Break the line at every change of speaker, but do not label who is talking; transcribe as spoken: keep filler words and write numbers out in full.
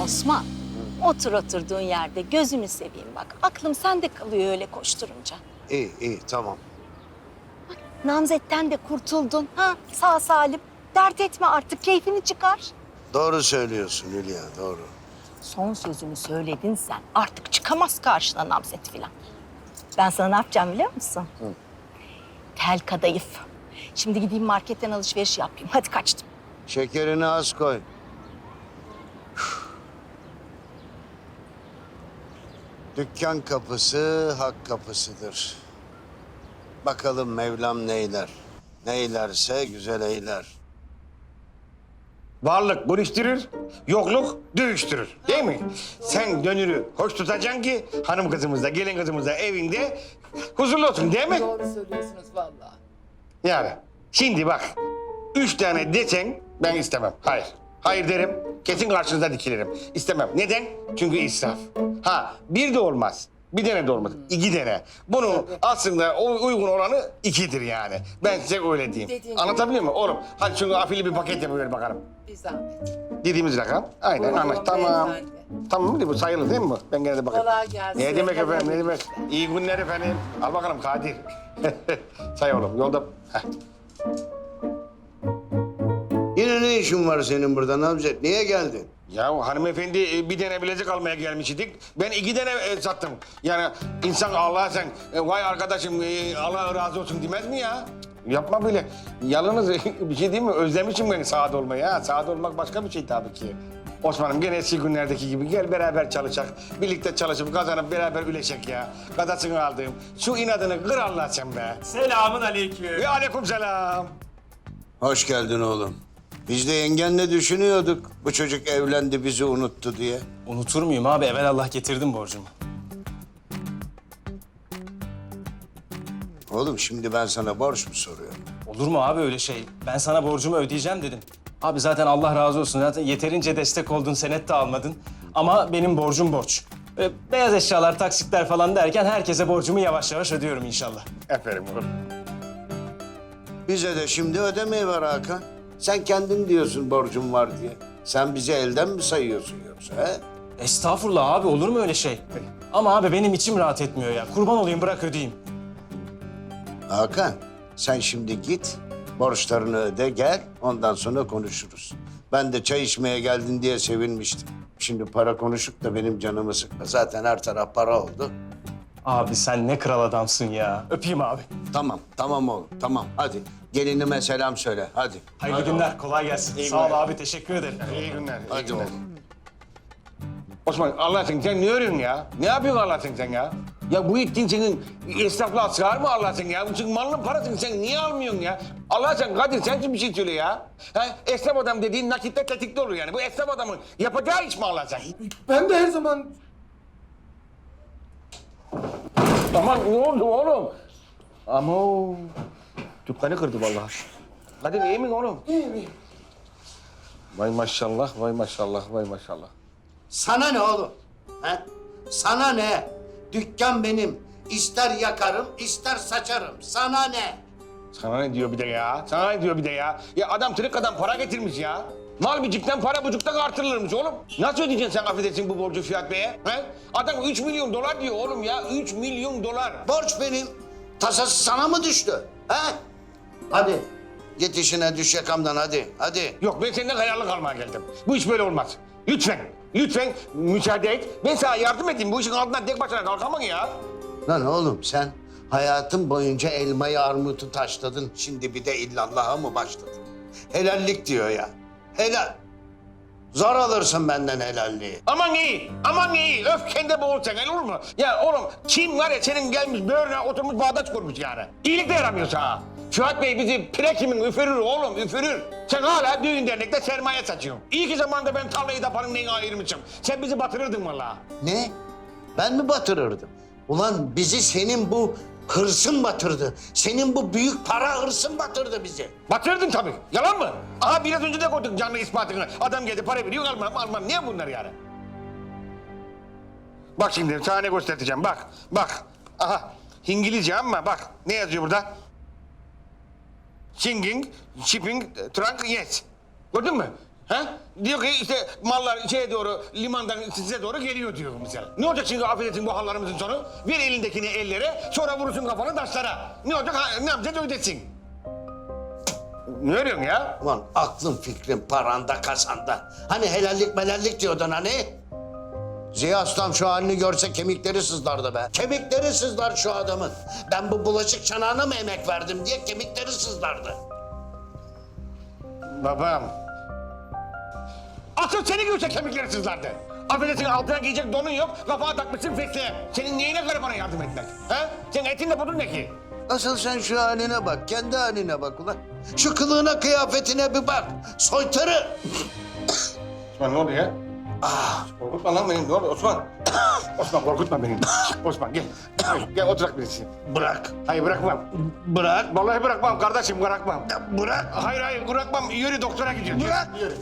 Osman, otur oturduğun yerde gözünü seveyim bak. Aklım sende kalıyor öyle koşturunca.
İyi, iyi, tamam.
Namzetten de kurtuldun. Ha, sağ salim. Dert etme artık, keyfini çıkar.
Doğru söylüyorsun Hülya, doğru.
Son sözünü söyledin sen. Artık çıkamaz karşına namzet filan. Ben sana ne yapacağım biliyor musun?
Hı.
Tel kadayıf. Şimdi gideyim marketten alışveriş yapayım. Hadi kaçtım.
Şekerini az koy. Dükkan kapısı hak kapısıdır. Bakalım Mevlam neyler. Neylerse güzel eyler.
Varlık bölüştürür, yokluk dövüştürür. Değil mi? Sen dönürü hoş tutacaksın ki hanım kızımız da gelin kızımız da evinde huzurlu olsun değil mi?
Doğru söylüyorsunuz vallahi.
Yani şimdi bak, üç tane desen ben istemem. Hayır. Hayır derim, kesin karşınıza dikilirim. İstemem. Neden? Çünkü israf. Ha, bir de olmaz. Bir tane de olmaz. İki tane. Bunun aslında o uygun oranı ikidir yani. Ben size öyle diyeyim.
Dediğin
Anlatabiliyor muyum oğlum? Hadi şunu afili bir paket yapıver bakalım.
Bir zahmet.
Dediğimiz rakam. Aynen
Buyurun
anlaş. Tamam.
beyefendi.
Tamam mı? Bu sayılı değil mi bu? Ben gene de bakayım.
Kolay gelsin.
Ne demek
Kolay
efendim, ne demek?
gelsin.
İyi günler efendim. Al bakalım Kadir. Say oğlum, yolda... Heh.
Yine ne işin var senin burada Namzet? Niye geldin?
Ya hanımefendi e, bir tane bilezik almaya gelmiştik. Ben iki tane e, sattım. Yani insan Allah'a sen e, vay arkadaşım e, Allah razı olsun demez mi ya? Cık, yapma böyle. Yalnız bir şey değil mi? Özlemişim ben saat olmayı ha. Saat olmak başka bir şey tabii ki. Osman'ım gene eski günlerdeki gibi gel beraber çalışak. Birlikte çalışıp kazanıp beraber üleşek ya. Kadasını aldığım. Şu inadını kır Allah sen be.
Selamun aleyküm.
Ve aleyküm selam.
Hoş geldin oğlum. Biz de yengenle düşünüyorduk. Bu çocuk evlendi bizi unuttu diye.
Unutur muyum abi? Evelallah getirdim borcumu.
Oğlum şimdi ben sana borç mu soruyorum?
Olur mu abi öyle şey? Ben sana borcumu ödeyeceğim dedim. Abi zaten Allah razı olsun. Zaten yeterince destek oldun, senet de almadın. Ama benim borcum borç. Böyle beyaz eşyalar, taksitler falan derken herkese borcumu yavaş yavaş ödüyorum inşallah.
Aferin oğlum.
Bize de şimdi ödemeyi var Hakan. Sen kendin diyorsun borcum var diye. Sen bizi elden mi sayıyorsun yoksa he?
Estağfurullah abi, olur mu öyle şey? Ama abi benim içim rahat etmiyor ya. Kurban olayım, bırak ödeyeyim.
Hakan sen şimdi git borçlarını öde gel ondan sonra konuşuruz. Ben de çay içmeye geldin diye sevinmiştim. Şimdi para konuşup da benim canımı sıkma. Zaten her taraf para oldu.
Abi sen ne kral adamsın ya. Öpeyim abi.
Tamam, tamam oğlum, tamam. Hadi gelinime selam söyle, hadi.
Hayırlı günler, kolay gelsin.
İyi
Sağ ol
günler.
abi, teşekkür ederim.
İyi günler. iyi
Hadi
günler.
oğlum.
Osman Allah aşkına sen ne örüyorsun ya? Ne yapıyorsun Allah aşkına sen ya? Ya bu ittin senin esnaflığa sığar mı Allah aşkına ya? Bu senin malının parasını sen niye almıyorsun ya? Allah aşkına Kadir sen kim bir şey söyle ya? Ha, esnaf adam dediğin nakitte tetikte olur yani. Bu esnaf adamın yapacağı iş mi Allah aşkına?
Ben de her zaman
Aman ne oldu oğlum? Ama o dükkanı kırdı vallahi. Kadir iyi mi oğlum?
iyi miyim?
Vay maşallah, vay maşallah, vay maşallah.
Sana ne oğlum? He? Sana ne? Dükkan benim. İster yakarım, ister saçarım. Sana ne?
Sana ne diyor bir de ya? Sana ne diyor bir de ya? Ya adam tırık adam para getirmiş ya. Mal bicikten para bucuktan artırılırmış oğlum. Nasıl ödeyeceksin sen affedersin bu borcu Fiyat Bey'e? He? Adam üç milyon dolar diyor oğlum ya. Üç milyon dolar.
Borç benim. Tasası sana mı düştü? He? Hadi. Git işine düş yakamdan hadi. Hadi.
Yok ben senden hayallik almaya geldim. Bu iş böyle olmaz. Lütfen, lütfen müsaade et. Ben sana yardım edeyim. Bu işin altından tek başına kalkamam ya.
Lan oğlum sen hayatın boyunca elmayı armutu taşladın. Şimdi bir de illallah'a mı başladın? Helallik diyor ya. Helal. Zor alırsın benden helalliği.
Aman iyi, aman iyi. Öfkende boğulsan olur mu? Ya oğlum kim var ya senin gelmiş böğrüne oturmuş bağdaş kurmuş yani. İyilik de yaramıyor sana. Fuat Bey bizi prekimin üfürür oğlum, üfürür. Sen hala düğün dernekte sermaye saçıyorsun. İyi ki zamanında ben tarlayı da paranın neyine ayırmışım. Sen bizi batırırdın vallahi.
Ne? Ben mi batırırdım? Ulan bizi senin bu hırsın batırdı. Senin bu büyük para hırsın batırdı bizi.
Batırdın tabii. Yalan mı? Aha biraz önce de koyduk canlı ispatını. Adam geldi para veriyor almam almam. Niye bunlar yani? Bak şimdi sana ne göstereceğim bak. Bak. Aha İngilizce ama bak. Ne yazıyor burada? Singing, shipping, trunk, yes. Gördün mü? Ha? Diyor ki işte mallar şeye doğru, limandan size doğru geliyor diyor mesela. Ne olacak şimdi affedersin bu hallarımızın sonu? Ver elindekini ellere, sonra vurursun kafanı taşlara. Ne olacak? Ha, ne yapacağız ödesin. Ne örüyorsun ya?
Ulan aklın fikrin paranda kasanda. Hani helallik melallik diyordun hani? Ziya Aslan şu halini görse kemikleri sızlardı be. Kemikleri sızlar şu adamın. Ben bu bulaşık çanağına mı emek verdim diye kemikleri sızlardı.
Babam. Asıl seni görse kemikleri sızlardı. Affedersin altına giyecek donun yok, kafana takmışsın fesleğe. Senin neyine garibana yardım etmek? Ha? Senin etin de budun ne ki?
Asıl sen şu haline bak, kendi haline bak ulan. Şu kılığına, kıyafetine bir bak. Soytarı.
Osman ne oldu ya? Ah, korkutma lan beni. Ne oldu Osman? Osman korkutma beni. Osman gel. Gel, gel oturak birisi.
Bırak.
Hayır bırakmam.
Bırak.
Vallahi bırakmam kardeşim bırakmam.
Bırak.
Hayır hayır bırakmam. Yürü doktora gidiyoruz.
Bırak.
Yürü.